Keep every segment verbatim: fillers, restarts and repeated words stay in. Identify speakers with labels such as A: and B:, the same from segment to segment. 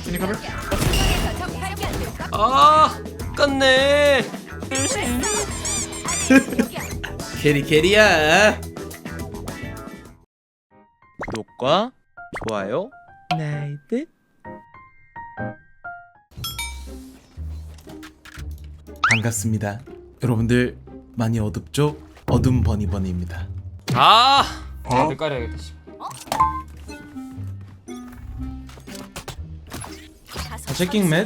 A: Can you cover?
B: 아 끝내. 캐리 캐리야. 구독과 좋아요 나이트. 반갑습니다. 여러분들 많이 어둡죠? 어둠 버니버니입니다. 아 다들 깔아야겠다. 아, 체킹 맷.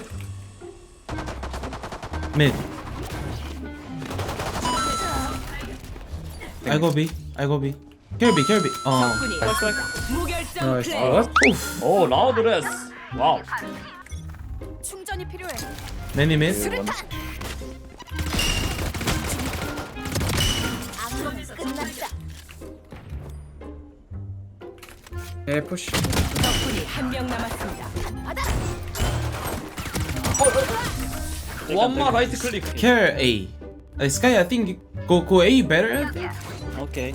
B: 맷. I go B. I go B. Kill B. Kill B. 어.
A: Nice. What?
C: 오 라우드 레스. 와우.
D: 충전이 필요해.
B: Many mid.
D: 수류탄. 악몽 끝났다.
A: Yeah, push.
D: 적군이 한 명 남았습니다. 받아.
C: 원마 라이트 클릭.
B: Kill A. Uh, Sky, I think go go A better. I think.
C: 오케이.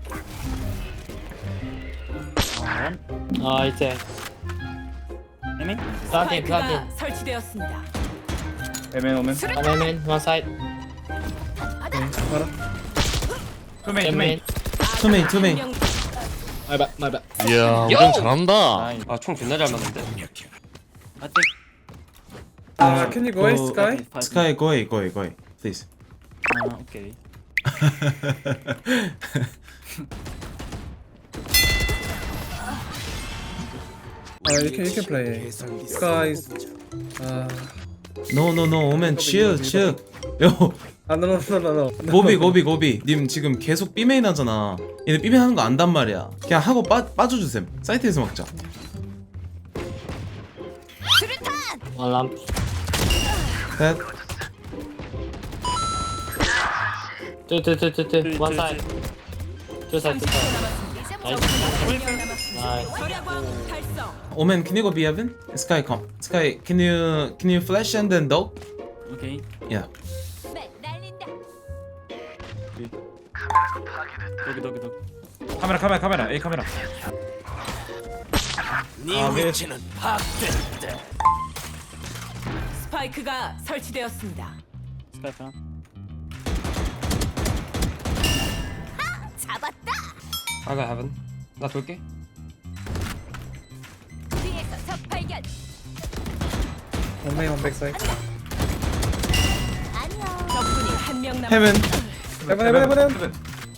C: 아 이제. 에민?
E: Planting,
D: 스파이크가
E: planting.
D: 설치되었습니다.
A: Amen, omen.
E: One main, main, one side.
A: Para.
C: 투메인
E: Ten main.
B: Two main, two main.
E: My bad, my bad.
F: 이야 우정 잘한다.
B: 아 총 존나 잘 맞는데.
A: Uh, can you go A,
B: Go-
A: Sky?
B: Sky, go A, go A, go A, please.
C: 아 오케이.
A: Uh, you can you can play A. Sky's. Uh,
B: No, no, no, 오면 chill, chill. 요,
A: ah, no, no, no, no, no.
B: 고비, 고비, 고비. 님 지금 계속 B메인 하잖아. 얘네 B메인 하는 거 안단 말이야. 그냥 하고 빠 빠져주셈. 사이트에서 먹자.
D: 수류탄.
E: One lamp.
B: 셋.
E: Two, two, two, two, two. One side. Two side, two side. Nice.
D: 절약왕 달성.
B: 오면 can you go B heaven? Sky come. Sky, can you can you flash and then dog?
C: 오케이.
B: Yeah.
D: 날린다.
C: 여기 여기 여기. 카메라 카메라 카메라 A 카메라. 네 위치는
D: 스파이크가 설치되었습니다.
C: 스카이프.
D: 잡았다.
B: 아가 heaven. 나 돌게.
D: 뒤에서 적 발견.
A: One main, one backside.
D: 안녕. 적군이 한 명 남았.
B: Heaven.
A: Heaven, heaven, heaven, heaven.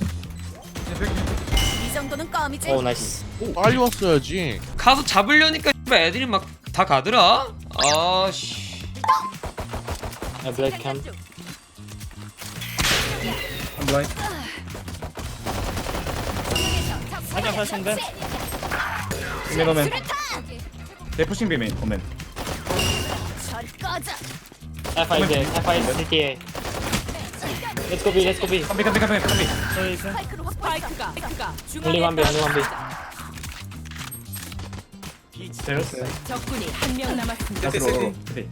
D: 이 정도는 껌이지.
E: Oh, nice.
F: 빨리 왔어야지.
B: 가서 잡으려니까 애들이 막 다 가더라. 아씨.
E: I blade cam.
A: I'm blind.
C: 한장 하신데.
A: Amen, omen.
C: 네 푸싱 비메인 오멘.
D: 절 꺼져.
E: F I J, F I C T A. Let's go B, let's go B.
C: 컴비 컴비 컴비 컴비.
D: 스파이크로 스파이크가 스파이크가
E: Only one B, only one B.
C: 제로스.
D: 적군이 한 명 남았습니다.
A: City, city.
C: 네.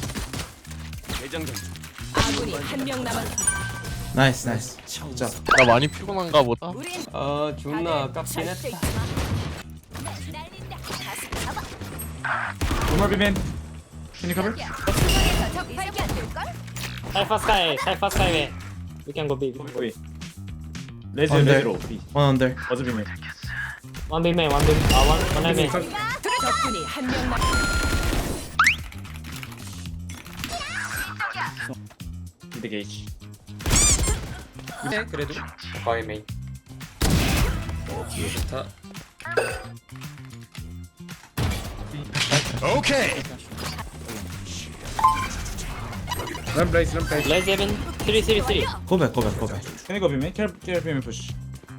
D: 아군이 한 명 남았습니다.
B: 나이스, 나이스. 자.
F: 나 많이 피곤한가 보다.
D: 우린
B: 아 존나 아깝긴
D: 절대
B: 했다.
D: 잊지 마. 날린다. 다시 잡아.
C: 노멀 비메인. Can you cover?
D: 중앙에서 적 발견. 될걸?
E: Cypher Sky, Cypher Sky main. We can go B.
C: 거기 거기. 레즈
B: 언더.
C: 레즈로 B.
B: One under.
C: 어즈 비메인.
E: One B main, one B. Ah, one, one A main.
D: 적군이 한 명 남.
C: 미드 게이지.
B: 네, 그래도. 바이 메인. 좋다.
A: Run place, run place.
E: Let's even three, three, three.
B: 고백, 고백, 고백.
C: Can you go 비메인? 켈 켈 비메인 푸시.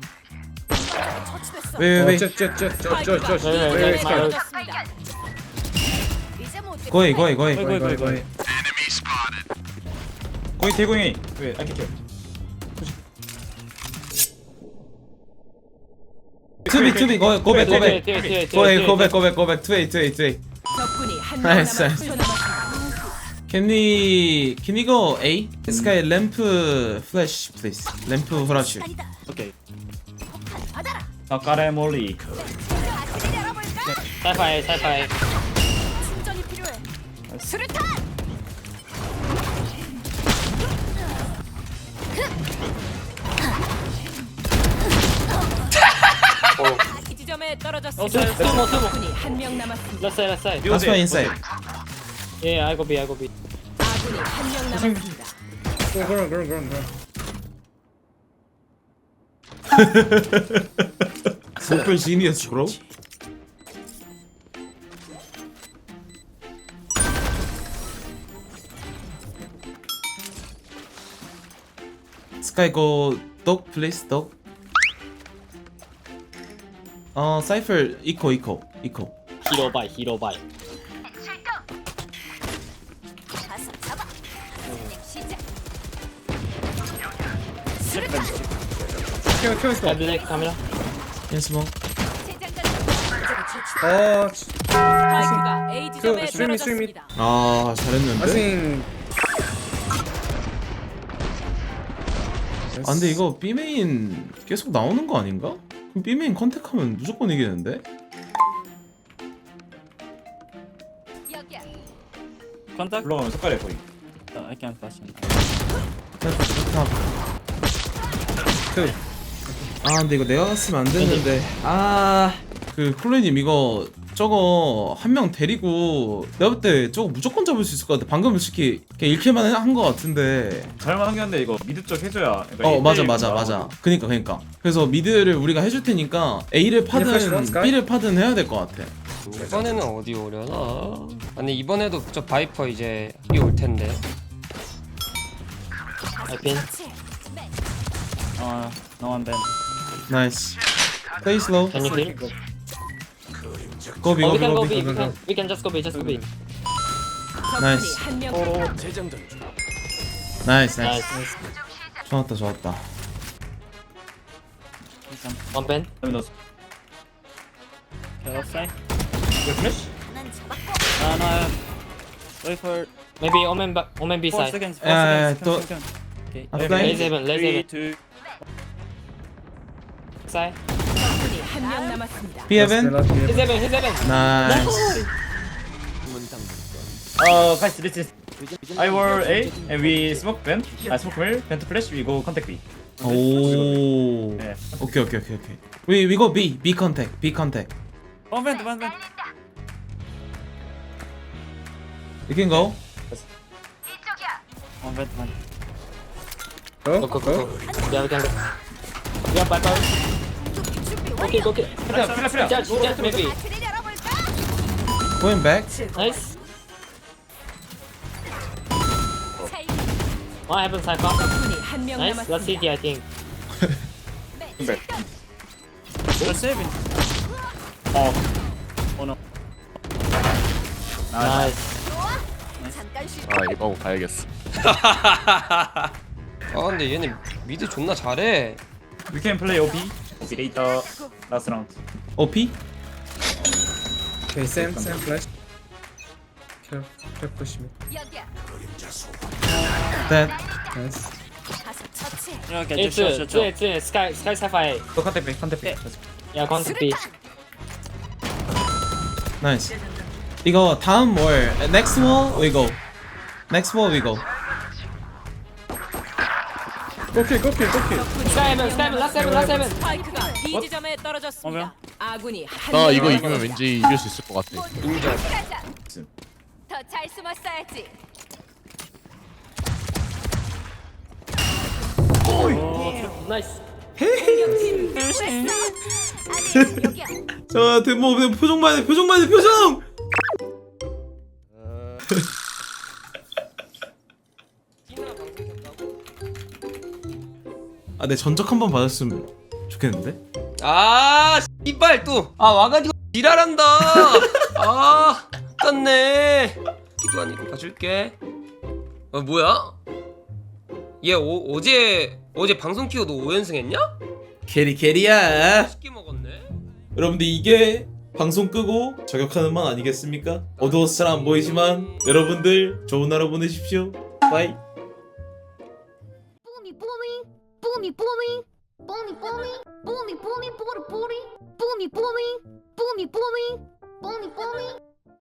D: 처치됐어.
B: 왜, 왜,
A: Oh,
B: 왜?
A: jet, jet, jet, jet, jet, jet.
E: Wait, wait,
A: Wait, wait,
E: wait,
A: Sky.
D: 맞았습니다. 이제 못
B: 고이, 고이, 고이.
C: 거기
A: Go,
C: 거기
A: go,
C: 거기.
A: go.
C: 거기 대공이. 왜? I can kill.
B: 투비, 투비, 고, 고백,
E: Two,
B: 고백.
E: two, two, two, two,
B: 고백,
E: two,
B: 고백, 고백, 고백. 투웨이, 투웨이, 투웨이.
D: 적군이 한 명
B: 나이스, 나이스.
D: 남았습니다.
B: Can we, can we go A? Sky lamp flash, please. lamp flash.
C: 오케이.
D: 받아라.
C: 아까레 몰리.
D: 가스를 열어볼까?
E: Cypher A, Cypher A.
D: 충전이 필요해. 수류탄. 이 지점에 떨어졌습니다.
E: Two more, two more.
D: 적군이 한 명 남았습니다.
E: Left side, left side.
B: Last one inside.
E: Yeah, I go B, I go B.
D: 아군이 한 명 남았습니다.
A: Go, go, go, go, go.
B: Super genius, bro. Sky go dog please dog. 어 사이플 이코 이코 이코.
E: Hero buy, hero buy.
D: 가서 잡아. 시작.
A: Kill, kill,
E: Sky
A: kill.
E: black camera.
B: In smoke.
A: 어,
D: 스파이크가 A 지점에
A: 그, 스윙, 스윙.
D: 떨어졌습니다.
B: 아
A: I
B: 잘했는데.
A: think.
B: 아 근데 이거 B 메인 계속 나오는 거 아닌가? 그럼 B 메인 컨택하면 무조건 이기는데?
D: 여기야.
C: 컨택 올라가면 색깔이 보이.
E: I can't pass him.
A: Two.
B: 아 근데 이거 내가 갔으면 안 됐는데. 아그 콜레님 이거 저거 한 명 데리고 내가 볼 때 저거 무조건 잡을 수 있을 것 같아. 방금 솔직히 그냥 일 킬만 한 거 같은데.
C: 잘만한 게 한데 이거 미드 쪽 해줘야. 그러니까
B: 어
C: 일
B: 맞아
C: 대 일
B: 맞아
C: 나오고.
B: 맞아. 그니까 그니까. 그래서 미드를 우리가 해줄 테니까 A를
A: 플래시 원,
B: 파든
A: 스카이?
B: B를 파든 해야 될 것 같아.
G: 이번에는 어디 오려나? 아니 이번에도 저 바이퍼 이제 여기 올 텐데.
E: I pin.
C: 어, no one band.
B: 나이스. Play slow.
E: Can you heal?
B: Go B
E: Oh,
B: go
E: we
B: B
E: can
B: go
E: go
B: B.
E: B. We can, we can just go B. Just go B.
D: 적군이
B: 나이스.
D: 한 명.
B: 나이스 나이스.
E: Nice.
B: 좋았다 좋았다.
E: One pen.
C: Let me know.
H: Okay, offside.
C: You finish?
H: Uh, no. Wait for
E: Maybe Omen back. Omen B
H: four
E: side.
H: seconds. Four
B: Uh,
H: seconds.
B: to-
H: Second, second. Okay.
B: Offline.
E: Lazy heaven. Lazy
H: Three,
E: heaven.
H: two.
E: Side.
D: 적군이 한 명 남았습니다.
B: B heaven.
E: His heaven. His heaven.
B: 나이스.
C: Uh, guys, this is. I were A and we smoke Ben. I smoke middle. Ben to flash. We go contact B.
B: 오.
C: 네.
B: 오케이 오케이 오케이 오케이. We we go B B contact B contact.
H: One vent, one vent.
B: You can go.
H: One vent, one.
A: Go,
E: Go go
A: go.
E: go go. Yeah, we can go. Yeah, bye bye. Okay, go. Okay.
C: Fila, fila, fila.
E: Judge, judge maybe.
D: 트를 열어볼까?
B: Going back.
E: Nice.
D: 차이.
E: One heaven side come.
D: 적군이 한 명
E: Nice. Last C
D: 남았습니다.
E: T I think.
H: They're saving.
C: 어.
H: Oh no.
E: Nice.
D: 잠깐 쉬.
F: 아 이거 하고 가야겠어.
G: 아 근데 얘네 미드 존나 잘해.
C: We can play O P. O P later. Last round.
B: O P.
A: Okay, same, same flash. Kill, kill, push me.
D: 여기야.
B: That.
A: Nice.
D: 가서 처치.
H: Yeah, okay,
E: It's
H: just shot,
E: uh,
H: shot,
E: it's
H: shot.
E: it's uh, Sky Sky Sapphire.
C: Go contact B. Contact B. Let's go.
E: Yeah, contact B.
B: Nice. 이거 다음 월 next wall we go. Next wall we go.
A: Go kill, go kill, go kill.
E: Sky heaven. Sky heaven. Last heaven. Last heaven.
D: 스파이크가 B 지점에 떨어졌습니다. 아군이 한
F: 나
D: 명
F: 이거
D: 남았습니다.
F: 이기면 왠지 이길 수 있을 것 같아.
D: 더 잘 숨었어야지.
E: Nice.
D: 공격팀 됐어. 아니 여기야.
B: 자, 데모 표정 봐야 돼. 표정 봐야 돼. 표정. 아, 내 전적 한번 받았으면 좋겠는데.
G: 아 이빨 또. 아 와가지고 지랄한다. 아 떴네. 기도 아니고 봐줄게. 아 뭐야? 얘 오, 어제 어제 방송 키워도 오 연승 했냐?
B: 캐리 캐리야.
G: 쉽게 먹었네.
B: 여러분들 이게 방송 끄고 저격하는 맛 아니겠습니까? 어두워서 잘 안 보이지만 여러분들 좋은 하루 보내십시오. 바이.
I: Boomy boomy, boomy boomy, boomy boomy, boomy boomy, booty booty, boomy boomy, boomy boomy.